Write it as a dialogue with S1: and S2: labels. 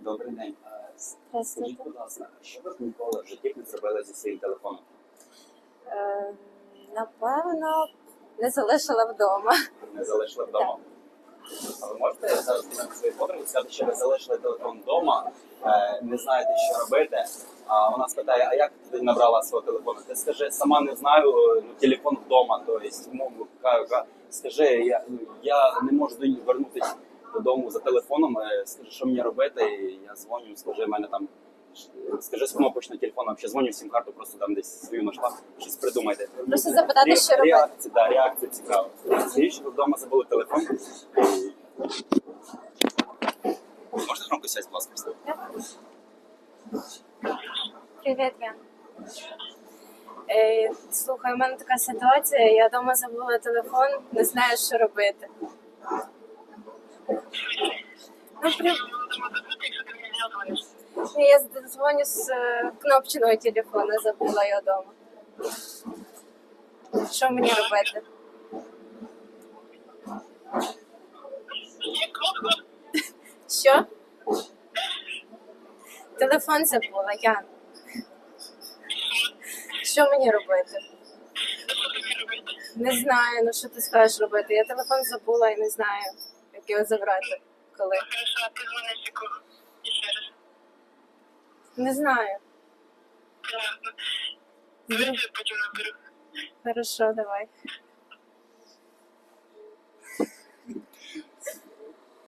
S1: Добрий день. Скажіть,
S2: Здравствуйте.
S1: будь ласка, що ви ніколи в житті не зробили зі своїм телефоном?
S2: Напевно, не залишила вдома.
S1: Не залишили вдома? А ви можете зараз підняти свою подругу, сказати, що ви залишили телефон вдома, не знаєте, що робити, а вона спитає, а як ти набрала свого телефону? Ти скажи, сама не знаю, телефон вдома, тобто, скажи, я не можу вернутися додому за телефоном, скажи, що мені робити, і я дзвоню, скажи, в мене там, скажи з кнопочного телефону, взагалі дзвоню сім-карту, просто там десь свою знайшла, щось придумайте.
S2: Просто запитати, що робити.
S1: Реакція цікава. Скажіть, що ви вдома забули телефон. Можете громко сядь, будь ласка, встати?
S2: Привіт, Ян. Слухай, у мене така ситуація, я вдома забула телефон, не знаю, що робити. Ні, я дзвоню з кнопчиного телефону, забула його вдома. Що мені робити? Що? Телефон забула, Ян. Що мені робити? Не знаю, ну що ти скажеш робити? Я телефон забула і не знаю, як його забрати. Коли?
S3: Хорошо, а ты звонишь кого? Еще раз.
S2: Не знаю.
S3: Понятно. Давайте я потом наберу.
S2: Хорошо, давай.